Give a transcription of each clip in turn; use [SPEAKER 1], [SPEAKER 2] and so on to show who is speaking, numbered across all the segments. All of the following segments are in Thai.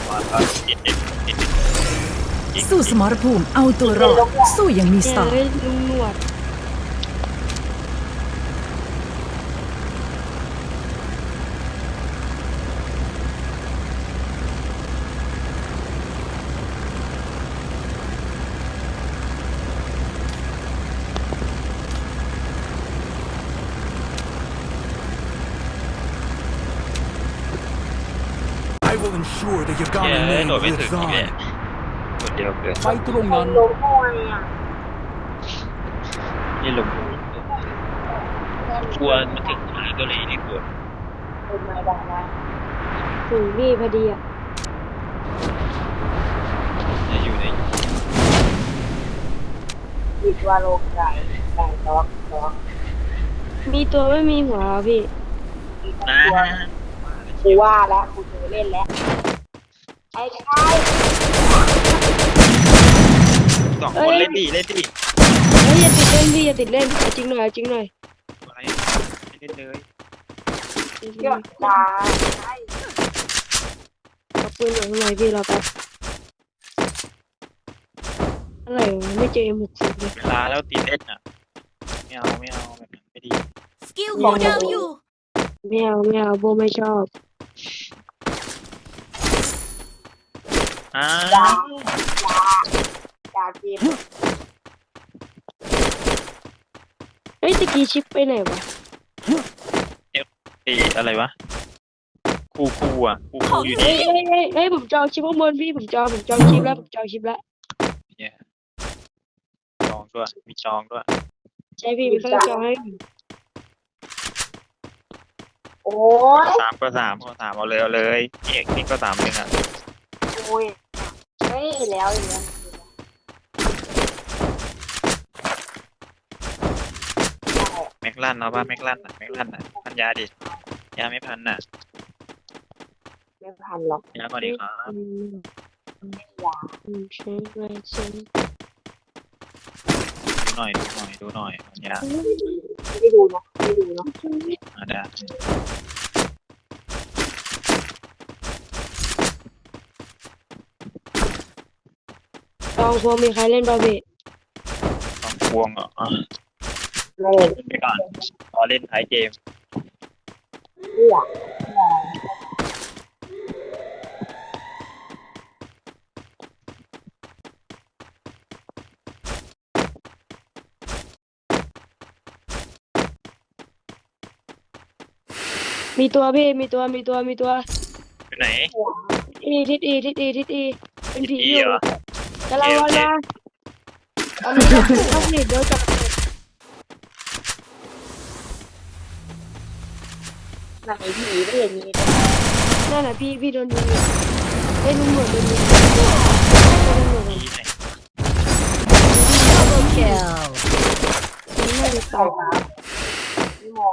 [SPEAKER 1] มาก็ติดเด็กติดเด็กจริง
[SPEAKER 2] สู้สมรภูมิเอาตัวรอดสู้อย่างมีส
[SPEAKER 3] แก
[SPEAKER 2] ไตล์
[SPEAKER 3] เลยลุงหนวด
[SPEAKER 4] I will ensure that you've
[SPEAKER 1] เย้
[SPEAKER 4] gone
[SPEAKER 1] โดด
[SPEAKER 4] and
[SPEAKER 1] ไม่
[SPEAKER 4] made
[SPEAKER 1] ถึง
[SPEAKER 4] with
[SPEAKER 1] อีก
[SPEAKER 4] thine.
[SPEAKER 1] คนเดียวเกิน
[SPEAKER 4] ไปตรงนั้น
[SPEAKER 5] ลงมวยอ่ะ
[SPEAKER 1] นี่ลงกลัวมาถึงทางเกาหลีนี่กลัว
[SPEAKER 5] เป็นไม้ได้นะ
[SPEAKER 3] ถึงพี่พอดีอ่ะ
[SPEAKER 1] จะอยู่ใน
[SPEAKER 5] คิดว่าโลกไก่ล็อก
[SPEAKER 3] มีตัวไม่มีหัวพี่
[SPEAKER 5] อีก
[SPEAKER 1] นะ
[SPEAKER 5] ตัวกูว่าแล้วกูเจอเล่นแล้วไอ้ชาย
[SPEAKER 1] สองคนเล่นดี
[SPEAKER 3] เฮ้ยอย่าติดเล่นพี่อย่าติดเล่นเอาจริงหน่อยเอาจริงหน่อย
[SPEAKER 1] ไม่เล่นเลย
[SPEAKER 5] เยอะจ้าใช่
[SPEAKER 3] เอาปืนอยู่ข้างในพี่รอแป๊บอะไรวะไม่เจอ M60 เลย
[SPEAKER 1] เวลาแล้วตีเล่นอ่ะไม่เอาแบบนั้นไม่ดี
[SPEAKER 2] สกิลคูลดาวน์อยู่
[SPEAKER 3] ไม่เอาโบไม่ชอบ
[SPEAKER 1] อ่า
[SPEAKER 5] จ้าเกม
[SPEAKER 3] เฮ้ยตะกี้ชิปไปไหนวะ
[SPEAKER 1] ตีอะไรวะคูอ่ะคูอยู่
[SPEAKER 3] เฮ้
[SPEAKER 1] นี่
[SPEAKER 3] ยผมจองชิปข้างบนพี่ผมจองชิปแล้ว
[SPEAKER 1] เนี่ยจองด้วยมีจองด้วย
[SPEAKER 3] ใช่พี่มันต้องจองให้
[SPEAKER 5] โอ้ย
[SPEAKER 1] สามเอาเลยนี่ก็3เลยอ่ะ
[SPEAKER 5] โอ้ยเฮ้ยแล้วอย่างเงี้ย
[SPEAKER 1] แม็กลันเอาป่ะแม็กลันพันยาดิยาไม่พันน่ะ
[SPEAKER 5] ไม่พันหรอก
[SPEAKER 1] ยาก่อนดีครับ
[SPEAKER 5] ยา
[SPEAKER 3] ใช่ไหมใช่
[SPEAKER 1] ดูหน่อยพันยา
[SPEAKER 5] ไม่ได้ดูเนาะ
[SPEAKER 1] ได้
[SPEAKER 3] ลองพวงมีใครเล่นบาเบะ
[SPEAKER 1] ต้องพวงเหรอ
[SPEAKER 5] ไม่เล่น
[SPEAKER 1] เล่นไปก่อนรอเล่นท้ายเกม
[SPEAKER 5] เพื่อ
[SPEAKER 3] มีตัวพี่มีตัว
[SPEAKER 1] ไปไหน
[SPEAKER 3] ทิศอีเป็นผีอยู่
[SPEAKER 1] เหรอก
[SPEAKER 3] ำลังลอยมาเอามือเข้าผลิตเดี๋ยวจับ
[SPEAKER 5] ไหนผีไม่เห็นมีเลย
[SPEAKER 3] นั่นน่ะพี่โดนยิงเฮ้ยลุงหนวดโดนยิง
[SPEAKER 1] ที่ไหน
[SPEAKER 2] Double kill
[SPEAKER 3] นี่น่าจะ
[SPEAKER 5] ใส่
[SPEAKER 3] ตาย
[SPEAKER 5] มาไม่มอง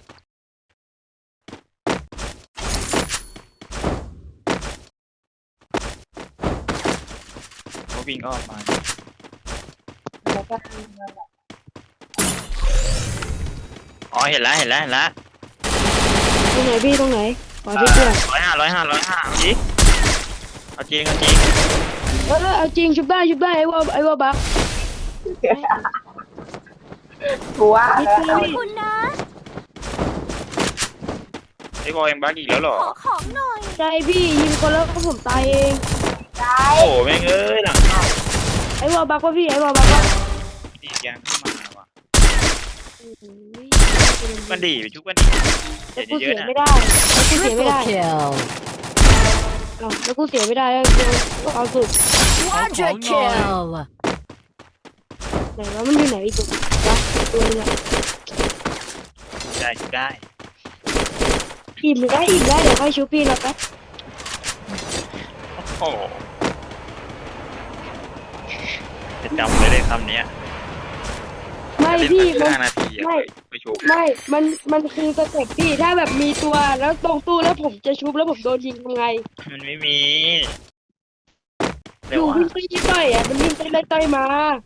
[SPEAKER 1] เขาวิ่งอ้อมมา
[SPEAKER 5] แล้วก็
[SPEAKER 1] อ๋อเห็นแล้ว
[SPEAKER 3] ตรงไหนพี่ตรงไหนขอที่เพื่อน
[SPEAKER 1] 105เอาจริง
[SPEAKER 3] เอาจริงชุบได้ไอ้ว่าบัก
[SPEAKER 5] กูว่า
[SPEAKER 3] นิด
[SPEAKER 5] แล้ว
[SPEAKER 3] เดียว
[SPEAKER 2] คุณนะ
[SPEAKER 1] ไอ้บอยยังบักอีกแล้วเหรอ
[SPEAKER 2] ขอของหน่อย
[SPEAKER 3] ใจพี่ยิงคนแล้วก็ผมตายเอง
[SPEAKER 5] ได้
[SPEAKER 1] โอ้แม่งเอ้ยหลังเข้า
[SPEAKER 3] ไอ้ว่าบักว่าพี่ไอ้ว่าบักว่า
[SPEAKER 1] ดียังขึ้นมาว่ะมันดีไปชุบกันดี
[SPEAKER 3] แล้วกู
[SPEAKER 1] เย
[SPEAKER 3] เสี
[SPEAKER 1] อะ
[SPEAKER 3] ย
[SPEAKER 1] ๆนะ
[SPEAKER 3] ไม่ได้แล้วกูเสียไม่ได้แล้วกูเอาสุด
[SPEAKER 2] Quadra kill
[SPEAKER 3] ไหนว่ามันอยู่ไหนอีกตัวนึงอะ
[SPEAKER 1] ได้
[SPEAKER 3] อีกได้เดี๋ยวค่อยชุบพี่เราแป๊บ
[SPEAKER 1] โอ้จะจำเลยคำนี้
[SPEAKER 3] ไม่พี่
[SPEAKER 1] เล่น
[SPEAKER 3] มัน
[SPEAKER 1] 5 นาทีไปชุบ
[SPEAKER 3] ไม่มันคือสเต็ปพี่ถ้าแบบมีตัวแล้วตรงตู้แล้วผมจะชุบแล้วผมโดนยิงทำไง
[SPEAKER 1] มันไม่มี
[SPEAKER 3] อยู่วิ่งไปยิงต่อยอ่ะมันวิ่งไปไล่ต่อยมา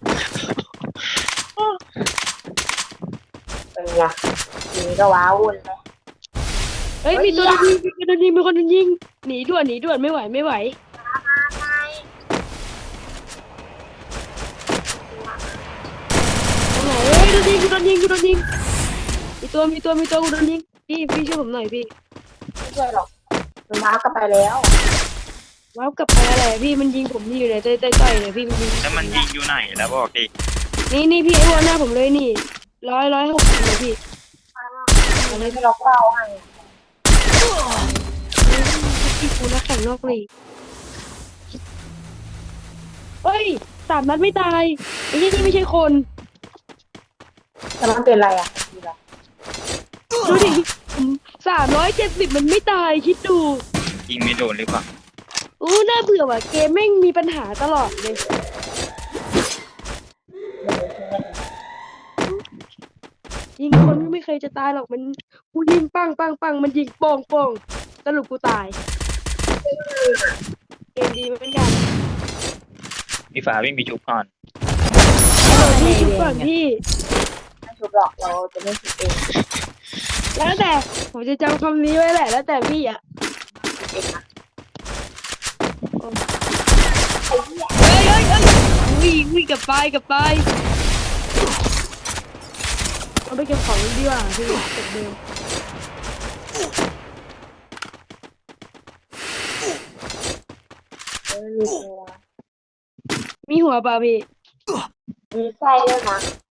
[SPEAKER 5] เป็นไงนี่ก็ว้าวุ่นเลย
[SPEAKER 3] เฮ้ยมีตัวโดนยิงมีคนโดนยิงหนีด่วนไม่ไหว
[SPEAKER 5] ไ
[SPEAKER 3] กูโดนยิงมีตัวกูโดนยิงพี่ช่วยผมหน่อยพี่
[SPEAKER 5] ไม่ใช่หรอกมันมากลับไปแล้ว
[SPEAKER 3] ว้าวกลับไปอะไรพี่มันยิงผมที่อยู่ในใต้เลยพี่มันยิง
[SPEAKER 1] แล้วมันยิงอยู่ไหนแล้วบอกดิ
[SPEAKER 3] นี่พี่ไอ้หัวหน้าผมเลยนี่160เลยพี่
[SPEAKER 5] อันนี้ไม่ล็อกเป้าให้
[SPEAKER 3] พี่กูนักแข่งนอกลีกเฮ้ย3 นัดไม่ตายไอ้นี่ไม่ใช่คน
[SPEAKER 5] แต่มันเป็นอะไรอ่ะคืออะไร
[SPEAKER 3] ดูดิ370มันไม่ตายคิดดู
[SPEAKER 1] ยิงไม่โดนหรือเปล่า
[SPEAKER 3] อู้น่าเบื่อว่ะเกมแม่งมีปัญหาตลอดเลยยิงคนก็ไม่เคยจะตายหรอกมันกูยิงปังมันยิงโป่งสรุปกูตายเกมดีเหมือนกัน
[SPEAKER 1] พี่ฟ้าวิ่งไปชุบก่อน
[SPEAKER 3] พี่ชุบก่อนพี่
[SPEAKER 5] ไม่ชุบหรอกเราจะไม่ชุบเอง
[SPEAKER 3] แล้วแต่ผมจะจำคำนี้ไว้แหละแล้วแต่พี่อ่ะ
[SPEAKER 5] ชุบเองนะ
[SPEAKER 3] วิ่งกลับไปเอาไปเก็บของดีกว่าพี่เก็บเดิม
[SPEAKER 5] มีตัว
[SPEAKER 3] มีหัวเปล่าพี่
[SPEAKER 5] มีไส้ด้วยนะ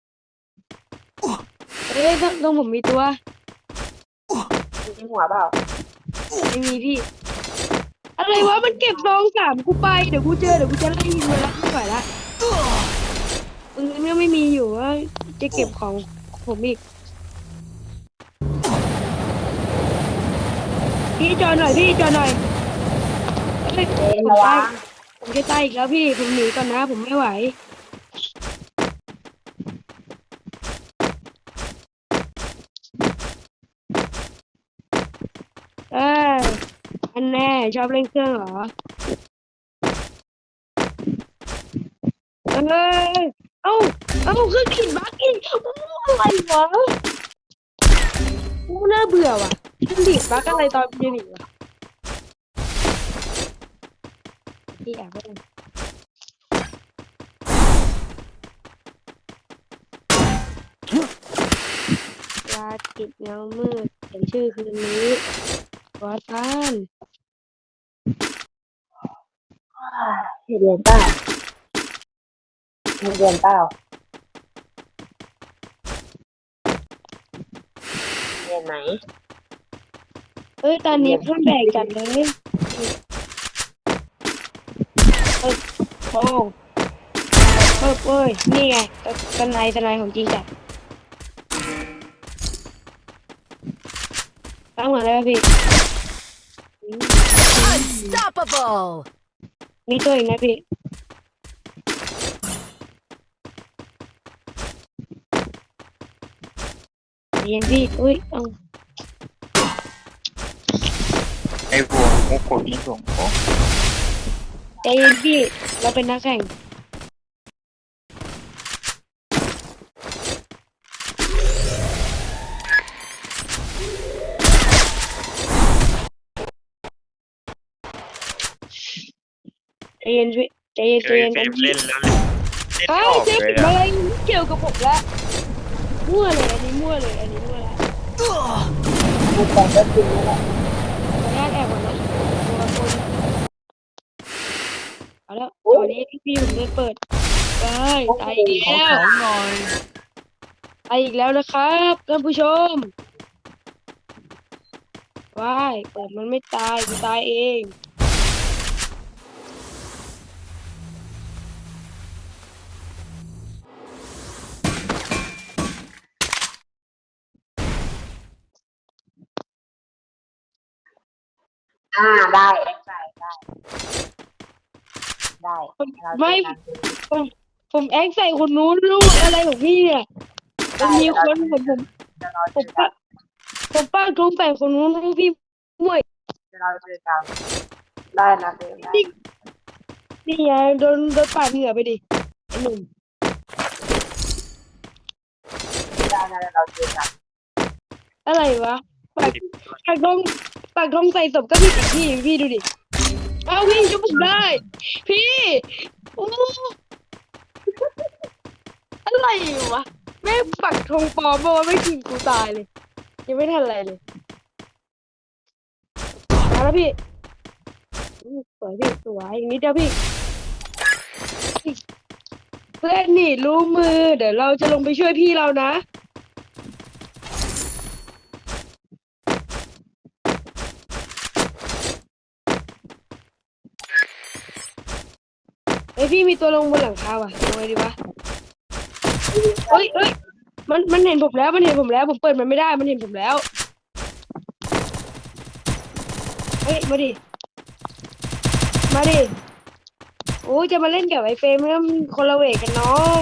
[SPEAKER 3] ต้องผมมีตัว
[SPEAKER 5] มีหัวเปล่า
[SPEAKER 3] ไม่มีพี่ อะไรวะมันเก็บซอง3กูไปเดี๋ยวกูจะไล่ยิงมันละไม่ไหวละปืนก็ไม่มีอยู่ว่าจะเก็บของผมอีกพี่จอหน่อยเอ้ย
[SPEAKER 5] เอ๊ะ
[SPEAKER 3] ผม
[SPEAKER 5] ระวั
[SPEAKER 3] ตาย
[SPEAKER 5] ง
[SPEAKER 3] ผมจะตายอีกแล้วพี่ผมหนีก่อนนะผมไม่ไหวเอออันแน่ชอบเล่นเครื่องเหรอเออเอ้าเครื่องขีดบั๊กอีกอะไรวะน่าเบื่อว่ะเครื่องขีดบั๊กอะไรตอนเย็นอีกวะพี่แอบไปเลยยาติดเงามืดเขียนชื่อคืนนี้วัดบ้าน
[SPEAKER 5] เห็นเรียนเปล่าเห็นเรียนเปล่าเรียนไหม
[SPEAKER 3] เอ้ยตอนนี้เพื่อนแบกจัดเลยเอ้ยโอ้เอ้ยนี่ไงทนายของจริงจัดตั้งหัวเลยพี่
[SPEAKER 2] Unstoppable
[SPEAKER 3] มีตัวอีกนะพี่เรียนพี่อุ้ยเอา
[SPEAKER 1] ไอ้วัวมุกโคตรยิงส่งโอ้
[SPEAKER 3] ใจเย็นพี่เราเป็นนักแข่งใจเย็นพี่ใจเย็น
[SPEAKER 1] เคยเฟมเล่นแล้วเล่น
[SPEAKER 3] เฮ้
[SPEAKER 1] ไม่
[SPEAKER 3] ย
[SPEAKER 1] ออก
[SPEAKER 3] เจ๊
[SPEAKER 1] เลย
[SPEAKER 3] อะ
[SPEAKER 1] อะ
[SPEAKER 3] ไรเกี่ยวกับผมละมั่วเลยอันนี้มั่วละ
[SPEAKER 5] มีแต่ก็จริงนี่แหละ
[SPEAKER 3] ขออนุญาตแอบก่อนนะตัวคนเอาแล้วตอนนี้พี่ผมได้เปิดได้ตายอีก
[SPEAKER 4] ขอ
[SPEAKER 3] แล้ว
[SPEAKER 4] ของหน่อย
[SPEAKER 3] ตายอีกแล้วนะครับท่านผู้ชมว้ายเปิดมันไม่ตายกูตายเอง
[SPEAKER 5] ได้แองใส่ได้เรา
[SPEAKER 3] ไม่
[SPEAKER 5] เจอกัน
[SPEAKER 3] ผมแอคใส่คนนู้นลูกอะไรของพี่เนี่ยมันมีคนผม
[SPEAKER 5] เดี๋ยวเรา
[SPEAKER 3] ผ
[SPEAKER 5] เจ
[SPEAKER 3] ม
[SPEAKER 5] อกัน
[SPEAKER 3] ป้าทงใส่คนนู้นลูกพี่มั่ว
[SPEAKER 5] เดี๋ยวเราเจอกันได้นะเจอกัน
[SPEAKER 3] นี่ไงโดนปาดเหงื่อไปดิไอ้หนุ่ม
[SPEAKER 5] ได้นะเดี๋ยวเราเจอกัน
[SPEAKER 3] อะไรวะปากทงใส่ศพก็ผิดอีกพี่ดูดิเอาพี่ชุบผมได้ พี่โอ้อะไรวะแม่งปักธงปลอมมาว่าไม่ยิงกูตายเลย ยังไม่ทันอะไรเลยมาแล้วพี่สวยพี่สวยอย่างนี้เดียวพี่เพื่อนนี่รู้มือ เดี๋ยวเราจะลงไปช่วยพี่เรานะเฮ้ยพี่มีตัวลงบนหลังคาว่ะลงไงดีวะเฮ้ยมันเห็นผมแล้วมันเห็นผมแล้วผมเปิดมันไม่ได้มันเห็นผมแล้วเฮ้ยมาดิโอ้ยจะมาเล่นกับไอ้เฟรมแล้วมันคนละเวทกันน้อง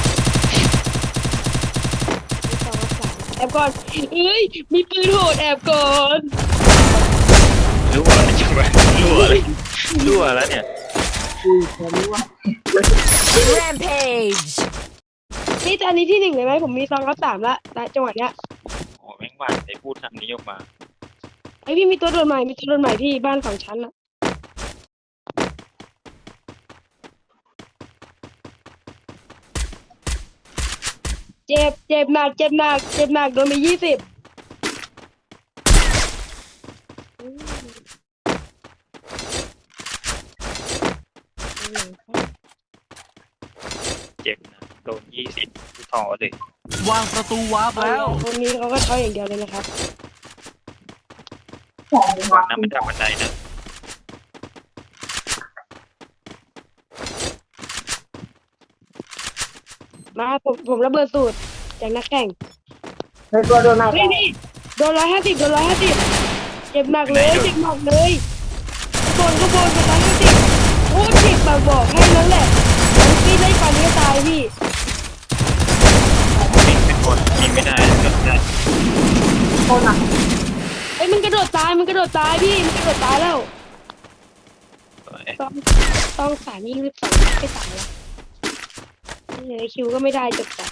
[SPEAKER 3] แอบก่อนเอ้ยมีปืนโหดแอบก่อน
[SPEAKER 1] รั่วอะไรจังวะรั่วอะไรรั่วแล้วเนี่ย
[SPEAKER 2] Rampage.
[SPEAKER 3] นี่ตอนนี้ที่หนึ่งเลยไหมผมมี2-3ละจังหวะเนี้ย
[SPEAKER 1] โอ้แม่งหวานไอ้พูดคำนี้ออกมา
[SPEAKER 3] ไอพี่มีตัวโดนใหม่ที่บ้าน2 ชั้นอะเจ็บหนักโดนไป20
[SPEAKER 1] เจ็บนะโดน20กูต่อเลย
[SPEAKER 4] วางประตูวาร์ปแล้ว
[SPEAKER 3] คนนี้เขาก็เท้าอย่างเดียวเลยนะครับ
[SPEAKER 1] วางน้ำมันจากบันไดนะ
[SPEAKER 3] มาผมระเบิดสูตรจากนักแข่ง
[SPEAKER 5] เฮ้ยตัวโดนไหน
[SPEAKER 3] เฮ้ยนี่โดน150เจ็บหนักเลยข้างบนโดน150โอ้เจ็บแบบบอกให้นั่นแหละพี่ได้ฟันก็ตายพี่
[SPEAKER 1] ยิงเป็นคนยิงไม่ได้ก็ได้
[SPEAKER 5] โดนอ่ะ
[SPEAKER 3] เอ้ยมันกระโดดตายพี่มันกระโดดตายแล้ว
[SPEAKER 1] สวย
[SPEAKER 3] ต้อง3 ยิง12ไม่ตายแล้วนี่คิวก็ไม่ได้จบจัด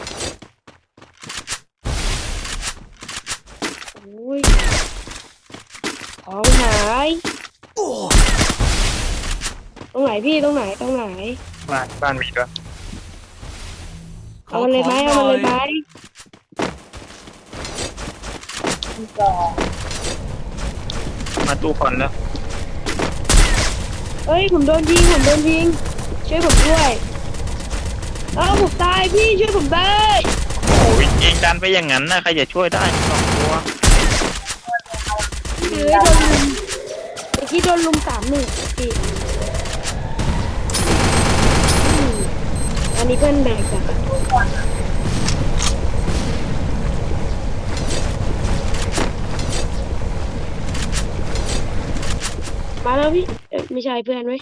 [SPEAKER 3] โอ้ยของหายตรงไหนพี่ตรงไหน
[SPEAKER 1] บ้านมีด้วย
[SPEAKER 3] เอามันเลยไหม
[SPEAKER 5] สอง
[SPEAKER 1] มาตู้คอนแล้ว
[SPEAKER 3] เอ้ยผมโดนยิงช่วยผมด้วยผมตายพี่ช่วยผมได้
[SPEAKER 1] โอ้ยยิงกันไปอย่างนั้นนะใครจะช่วยได้สองตัว
[SPEAKER 3] โดนลุมเมื่อกี้โดนลุม3-1พี่อันนี้เพื่อนแบกจ้ะมาแล้วพี่ไม่ใช่เพื่อนไหม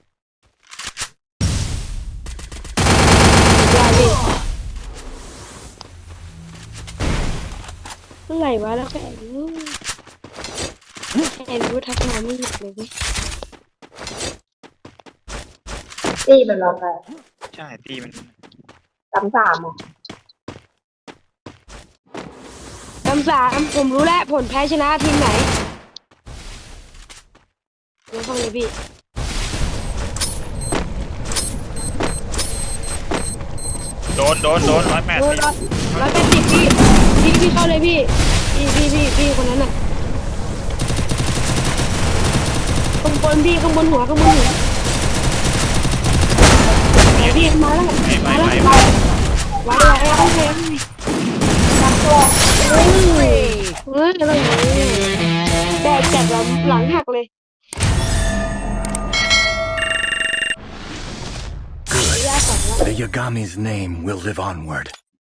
[SPEAKER 3] ได้พี่เมื่อไหร่วะแล้วแค่รู้ทักมาไม่หยุดเลยเว้ย
[SPEAKER 5] ตีมันเราไป
[SPEAKER 1] ใช่ตีมัน
[SPEAKER 5] 3-3อ่ะ
[SPEAKER 3] 3-3ผมรู้แล้วผลแพ้ชนะทีมไหนเดี๋ยวเข้าเลยพี่
[SPEAKER 1] โดน180
[SPEAKER 3] 180พี่เข้าเลยพี่คนนั้นน่ะข้างบนพี่ข้างบนหัวพี่มาแล้ว
[SPEAKER 1] ไม่
[SPEAKER 3] ไว้อะไรแดกจัดหลังหักเลย
[SPEAKER 4] The Yagami's name will live onward.